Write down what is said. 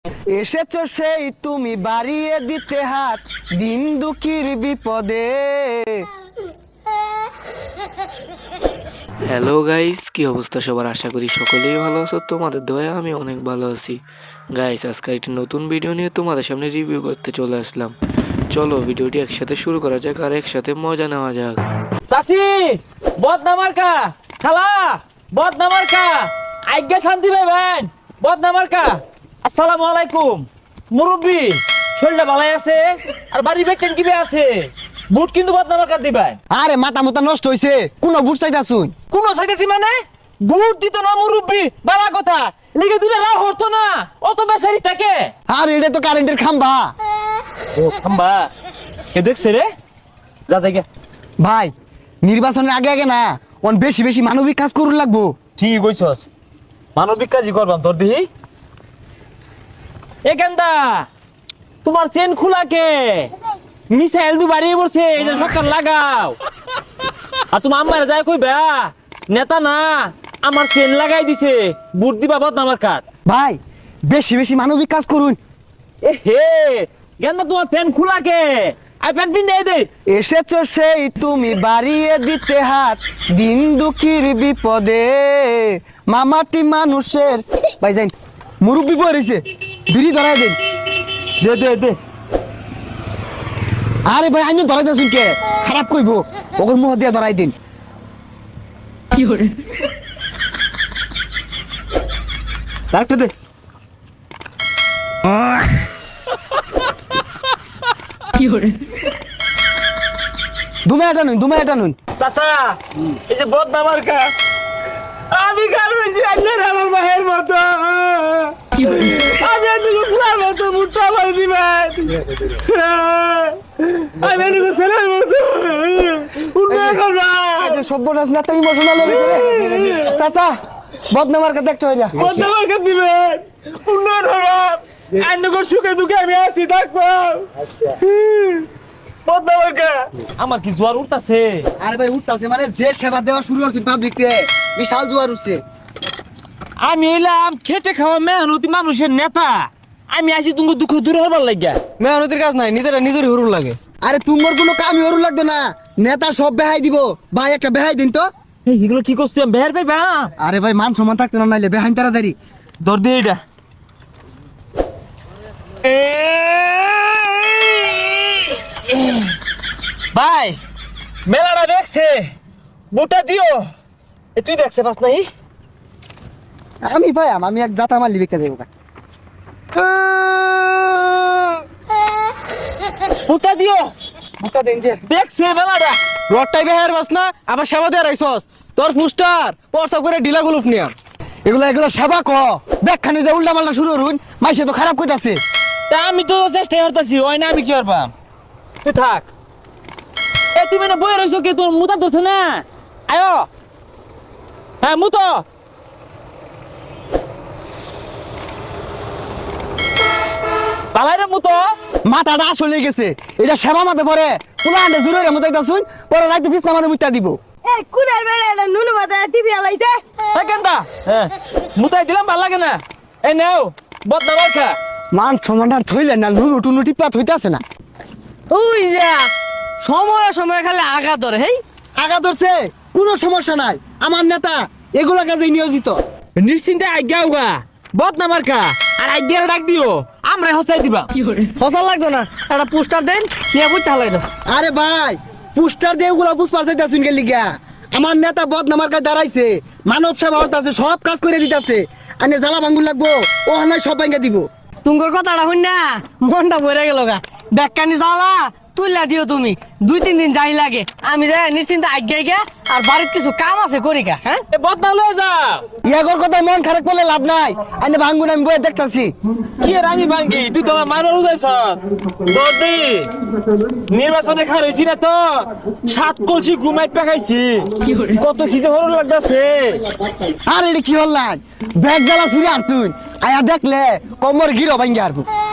এসেছো সেই তুমি বাড়িয়ে দিতে হাত দিন দুঃখীর বিপদে। হ্যালো গাইস, কি অবস্থা সবার? আশা করি সকলেই ভালো আছো। তোমাদের দয়া আমি অনেক ভালো আছি। গাইস, আজকে একটি নতুন ভিডিও নিয়ে তোমাদের সামনে রিভিউ করতে চলে আসলাম। চলো ভিডিওটি একসাথে শুরু করা যাক আর একসাথে মজা নেওয়া যাক। চাচি বদনামার্কা, খালা বদনামার্কা, আজ্ঞা শান্তি পাইবেন বদনামার্কা। আসসালামু আলাইকুম মুরব্বি, শরীরটা ভালো আছে? আর বাড়ি বেটেন কি আছে? বুট কিন্তু বদনামার্কা দিবেন। আরে মাথা মাথা নষ্ট হইছে, কোন বুট চাইতাছুন? কোন চাইতেছি মানে? বুট দিত না মুরব্বি, বালা কথা লিখে দিলে রাও হতো না, অত বেসারি থাকে। আর এটা তো কারেন্টের খাম্বা। ও খাম্বা, এ দেখছে রে, যা জায়গা। ভাই নির্বাচনের আগে আগে না অন বেশি বেশি মানবিক কাজ করুন লাগবো। ঠিকই কইছস, মানবিক কাজই করবাম। তোর দিহি এ কেন্দা, তোমার চেন খোলা কে? মিসাইল দু বাড়িয়ে পড়ছে, এটা সরকার লাগাও। আর তুমি আম্মারে যায় কইবা নেতা না আমার চেন লাগাই দিছে, বুট দিবা বদনামার কাট। ভাই বেশি বেশি মানবিক কাজ করুন। এ হে গেন্দা, তোমার প্যান খোলা কে? আই প্যান পিন দে। এসেছো সেই তুমি বাড়িয়ে দিতে হাত দিন দুঃখীর বিপদে। মামাটি মানুষের ভাই যাই মুরব্বি বই রয়েছে, বিড়ি ধরাই দিন। দে আরে ভাই আমি ধরাই দিয়েছুন কে? খারাপ কইব, ওগর মুহ দিয়ে ধরাই দিন। ডাক্তার দে। দুমে এটা নুন। চাচা এই যে বদনামার কা, আমি কারো হইছি আইনের আমার মায়ের মতো। আমি একটু ফুলার মতো মুঠটা মারি দিবেন, আমি একটু ছেলের মতো উন্নয়ন করবেন। সভ্যনাশ নেতা ইমোশনাল হয়ে গেছে রে। চাচা বদনামার কাছে একটা হইলা বদনামার কা দিবেন, উন্নয়ন করবেন। আইনগর সুখে দুঃখে আমি আছি, থাকবো। বদনামার কা আমার কি জোয়ার উঠতাছে? আরে ভাই উঠতাছে মানে যে সেবা দেওয়া শুরু করছে পাবলিক রে, বিশাল জোয়ার উঠছে। আমি এলাম খেটে খাওয়া মেহনতি মানুষের নেতা, আমি আসি তুমি দুঃখ দূর হবার লাগিয়া। মেহনতির কাজ নাই, নিজেরা নিজেরই হুরুর লাগে। আরে তোমার কোনো কামই হরু লাগতো না, নেতা সব বেহাই দিব। ভাই একটা বেহাই দিন তো। এগুলো কি করছি আমি বের পাইবা? আরে ভাই মান সম্মান থাকতো না, নাইলে বেহাইন তাড়াতাড়ি দর দিয়ে এটা। ভাই মেলাটা দেখছে, বুটা দিও। এ তুই দেখছে পাস নাই? আমি ভাই আমি এক জাতা মারলি বেঁকে দেবো। বুটা দিও, বুটা দেন যে দেখছে মেলাটা। রডটাই বেহার বাস না, আবার সেবা দিয়ে রাইছস। তোর পুস্টার পরসা করে ঢিলা গুলুপ নিয়া। এগুলো সেবা ক ব্যাখ্যানি যে উল্টা পাল্টা শুরু করুন, মাইসে তো খারাপ কইতাছে। তা আমি তো চেষ্টা করতেছি, ওই না আমি কি করবাম? তুই থাক। এ তুমি না বই রইছো কে? তোর মুতা ধরছে না? আয়ো, হ্যাঁ মুতো। পালাইরে মুতো। মাথাটা আসলে গেছে, এটা সেবা মাতে পরে পুরা আন্ডে জুড়ে রে মতো শুন, পরে রাইতে বিছনা মাঝে মুইটা দিব। এই কুনার বেড়া এটা নুনু মাথা টিভি আলাইছে। এই কেনটা? হ্যাঁ মুতাই দিলাম, ভালো লাগে না। এই নাও বদনামার খা। মান সম্মানটা থইলেন না, নুনু টুনু টিপা থইতাছে না। ওই যা সময় সময় খালি আগা ধরে। হেই আগা ধরছে, কোনো সমস্যা নাই। আমার নেতা এগুলা কাজে নিয়োজিত। নিশ্চিন্তে আজ্ঞা উগা বদনামার খা, আর আজ্ঞার ডাক দিও, আমরা হসাই দিবা। ফসল লাগতো না, একটা পোস্টার দেন নিয়ে বুঝ চালাই দাও। আরে ভাই পুস্টার দিয়ে ওগুলা বুঝ পারছাইতাছুন কে লিগা? আমার নেতা বদনামার কাছে দাঁড়াইছে, মানব সেবা হতাছে, সব কাজ করে দিতাছে। আনে জ্বালা ভাঙ্গুর লাগবো, ও হানায় সব ভাঙ্গা দিব। তুঙ্গর কথাটা শুন না, মনটা ভরে গেল গা। ব্যাখ্যানি জ্বালা তুইলা দিও তুমি, 2-3 দিন যাই লাগে। আমি যাই নিশ্চিন্তে আজ্ঞাই গে, আর বাড়ির কিছু কাম আছে করি গা। হ্যাঁ এ বদনা লয়ে যাও। ইয়াগর কথা মন খারাপ করলে লাভ নাই। আনে ভাঙ্গুন আমি বয়ে দেখতাছি। কি আর আমি ভাঙ্গি, তুই তো আমার মারবার উদাইছস। দদি নির্বাচনে খার হইছি না তো, 7 কলসি ঘুমাই পেখাইছি। কত কি যে হরর লাগতাছে। আর এটা কি হল না, ব্যাগ জ্বালা ফিরে আসছুন, আয়া দেখলে কমর গিরো ভাঙ্গি আরবো।